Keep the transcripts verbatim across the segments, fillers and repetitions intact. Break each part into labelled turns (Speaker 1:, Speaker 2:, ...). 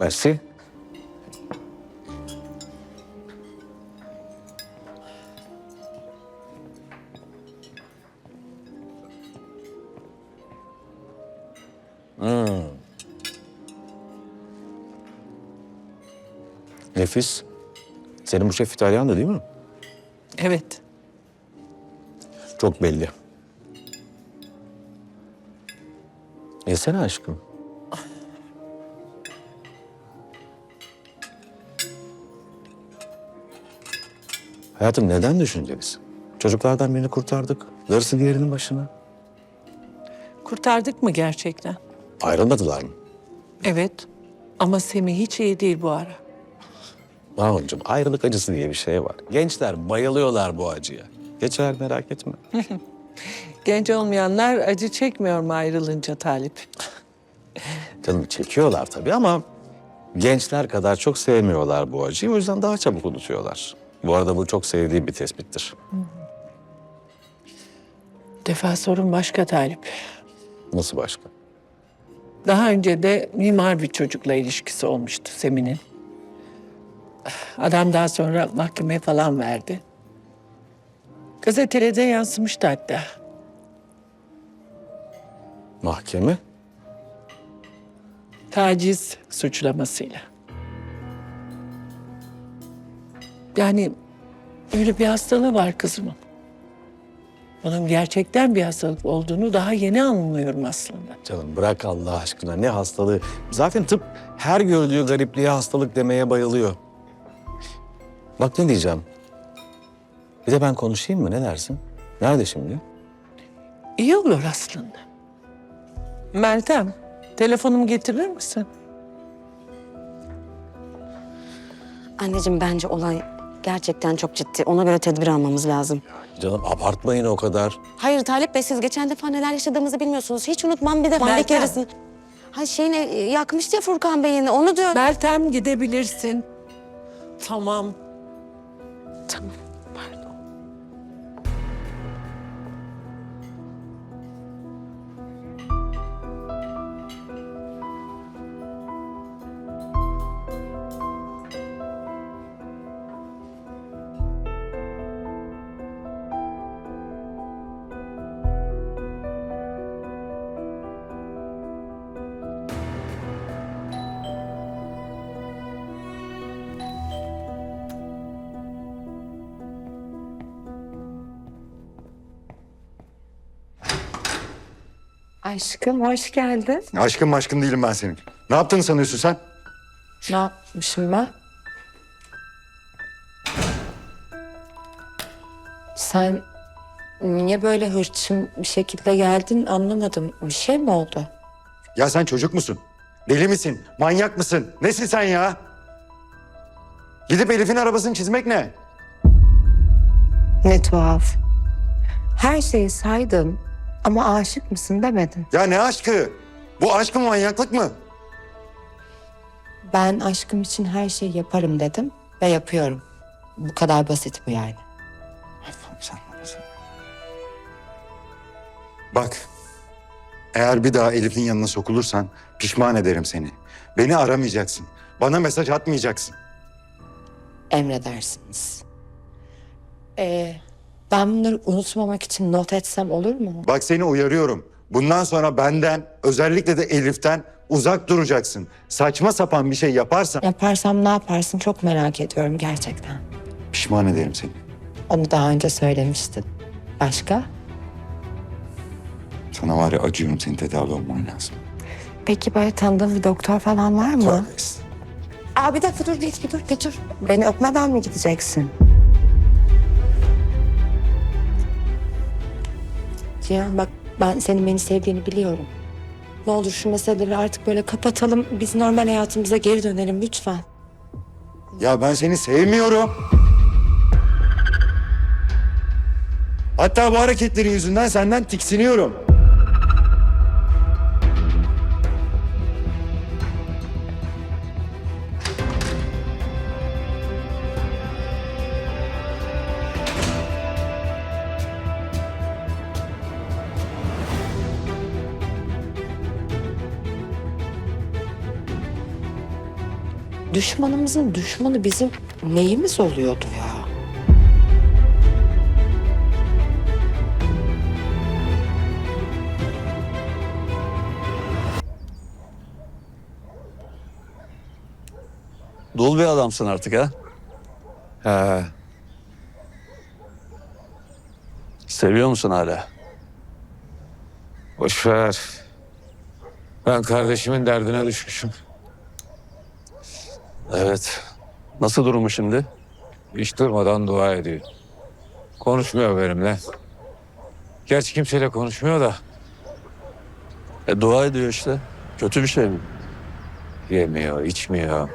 Speaker 1: Merci. Hmm. Nefis. Senin bu şef İtalyan'dı değil mi?
Speaker 2: Evet.
Speaker 1: Çok belli. Yesene aşkım. Hayatım neden düşüncelisin? Çocuklardan birini kurtardık. Darısı diğerinin başına.
Speaker 2: Kurtardık mı gerçekten?
Speaker 1: Ayrılmadılar mı?
Speaker 2: Evet. Ama Semih hiç iyi değil bu ara.
Speaker 1: Mahmutcuğum ayrılık acısı diye bir şey var. Gençler bayılıyorlar bu acıya. Geçer merak etme.
Speaker 2: Genç olmayanlar acı çekmiyor mu ayrılınca Talip?
Speaker 1: Canım çekiyorlar tabii ama gençler kadar çok sevmiyorlar bu acıyı. O yüzden daha çabuk unutuyorlar. Bu arada bu çok sevdiğim bir tespittir.
Speaker 2: Defa sorun başka Talip.
Speaker 1: Nasıl başka?
Speaker 2: Daha önce de mimar bir çocukla ilişkisi olmuştu Semih'in. Adam daha sonra mahkemeye falan verdi. Gazetelerde yansımıştı hatta.
Speaker 1: Mahkeme?
Speaker 2: Taciz suçlamasıyla. Yani öyle bir hastalığı var kızımın. Bunun gerçekten bir hastalık olduğunu daha yeni anlıyorum aslında.
Speaker 1: Canım bırak Allah aşkına ne hastalığı. Zaten tıp her gördüğü garipliğe hastalık demeye bayılıyor. Bak ne diyeceğim. Bir de ben konuşayım mı ne dersin? Nerede şimdi?
Speaker 2: İyi olur aslında. Meltem, telefonumu getirir misin?
Speaker 3: Anneciğim bence olay gerçekten çok ciddi. Ona göre tedbir almamız lazım.
Speaker 1: Canım abartmayın o kadar.
Speaker 3: Hayır Talip Bey siz geçen defa neler yaşadığımızı bilmiyorsunuz. Hiç unutmam bir de Van'daki
Speaker 2: Meltem.
Speaker 3: yarısını. Hay şeyini yakmıştı ya Furkan Bey'ini onu diyor.
Speaker 2: Meltem gidebilirsin. Tamam.
Speaker 3: Tamam pardon.
Speaker 4: Aşkım hoş geldin.
Speaker 5: Aşkın aşkın değilim ben senin. Ne yaptığını sanıyorsun sen?
Speaker 4: Ne yapmışım ben? Sen niye böyle hırçın bir şekilde geldin anlamadım. Bir şey mi oldu?
Speaker 5: Ya sen çocuk musun? Deli misin? Manyak mısın? Nesin sen ya? Gidip Elif'in arabasını çizmek ne?
Speaker 4: Ne tuhaf. Her şeyi saydım ama aşık mısın demedin.
Speaker 5: Ya ne aşkı? Bu aşk mı manyaklık mı?
Speaker 4: Ben aşkım için her şeyi yaparım dedim ve yapıyorum. Bu kadar basit bu yani.
Speaker 5: Allah'ım sen ne yapıyorsun? Bak. Eğer bir daha Elif'in yanına sokulursan pişman ederim seni. Beni aramayacaksın. Bana mesaj atmayacaksın.
Speaker 4: Emredersiniz. Ee, ben bunları unutmamak için not etsem olur mu?
Speaker 5: Bak seni uyarıyorum. Bundan sonra benden, özellikle de Elif'ten uzak duracaksın. Saçma sapan bir şey yaparsan
Speaker 4: Yaparsam ne yaparsın çok merak ediyorum gerçekten.
Speaker 5: pişman ederim seni.
Speaker 4: Onu daha önce söylemiştin. Başka?
Speaker 5: Sana var ya acıyorum, senin tedavi olman lazım.
Speaker 4: Peki böyle tanıdığın bir doktor falan var mı?
Speaker 5: Tövbe estağfurullah.
Speaker 4: Aa bir dakika dur bir, bir dur bir dur. Beni öpmeden mi gideceksin? Cihan bak ben senin beni sevdiğini biliyorum. Ne olur şu meseleleri artık böyle kapatalım. Biz normal hayatımıza geri dönelim lütfen.
Speaker 5: Ya ben seni sevmiyorum. Hatta bu hareketlerin yüzünden senden tiksiniyorum.
Speaker 4: düşmanımızın düşmanı bizim neyimiz oluyordu ya?
Speaker 6: Dul bir adamsın artık ha.
Speaker 1: He.
Speaker 6: Seviyor musun hala?
Speaker 7: Boş ver. Ben kardeşimin derdine düşmüşüm.
Speaker 6: Evet. Nasıl durumu şimdi?
Speaker 7: Hiç durmadan dua ediyor. Konuşmuyor benimle. Gerçi kimseyle konuşmuyor da.
Speaker 6: E, dua ediyor işte. Kötü bir şey mi?
Speaker 7: Yemiyor, içmiyor.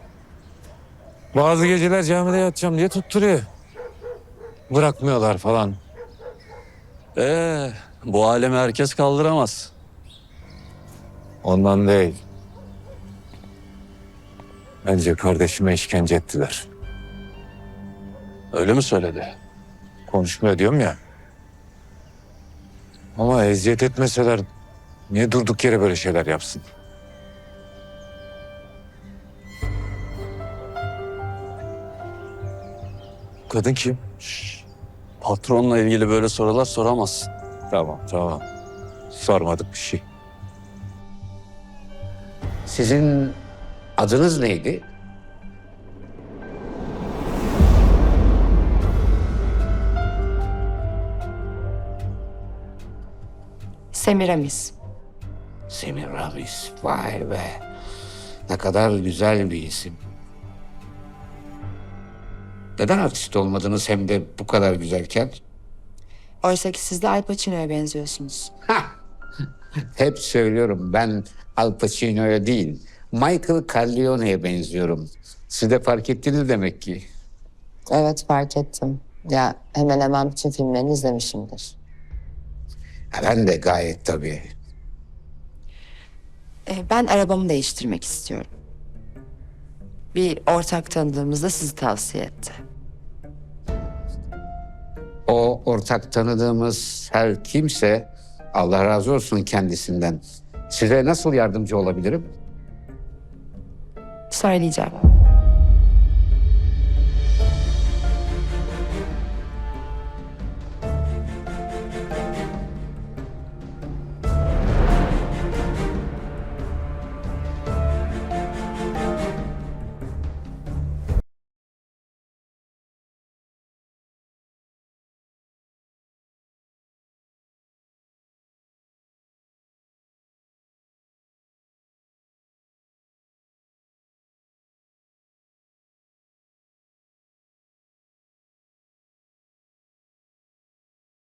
Speaker 7: Bazı geceler camide yatacağım diye tutturuyor. Bırakmıyorlar falan.
Speaker 6: Ee, bu alemi herkes kaldıramaz.
Speaker 7: Ondan değil. Bence kardeşime işkence ettiler.
Speaker 6: Öyle mi söyledi?
Speaker 7: Konuşmuyor diyorum ya. Ama eziyet etmeseler niye durduk yere böyle şeyler yapsın? Kadın kim?
Speaker 6: Patronla ilgili böyle sorular soramazsın.
Speaker 7: Tamam, tamam. Sormadık bir şey.
Speaker 8: Sizin adınız neydi?
Speaker 4: Semiramis.
Speaker 8: Semiramis. Vay be. Ne kadar güzel bir isim. Neden artist olmadınız hem de bu kadar güzelken?
Speaker 4: Oysa ki siz de Al Pacino'ya benziyorsunuz.
Speaker 8: Hep söylüyorum ben Al Pacino'ya değil, Michael Corleone'ye benziyorum. Siz de fark ettiniz demek ki.
Speaker 9: Evet fark ettim. Ya hemen hemen bütün filmlerini izlemişimdir.
Speaker 8: Ha, ben de gayet tabii.
Speaker 4: Ee, ben arabamı değiştirmek istiyorum. Bir ortak tanıdığımız da sizi tavsiye etti.
Speaker 8: O ortak tanıdığımız her kimse Allah razı olsun kendisinden. Size nasıl yardımcı olabilirim?
Speaker 4: Söyleyeceğim.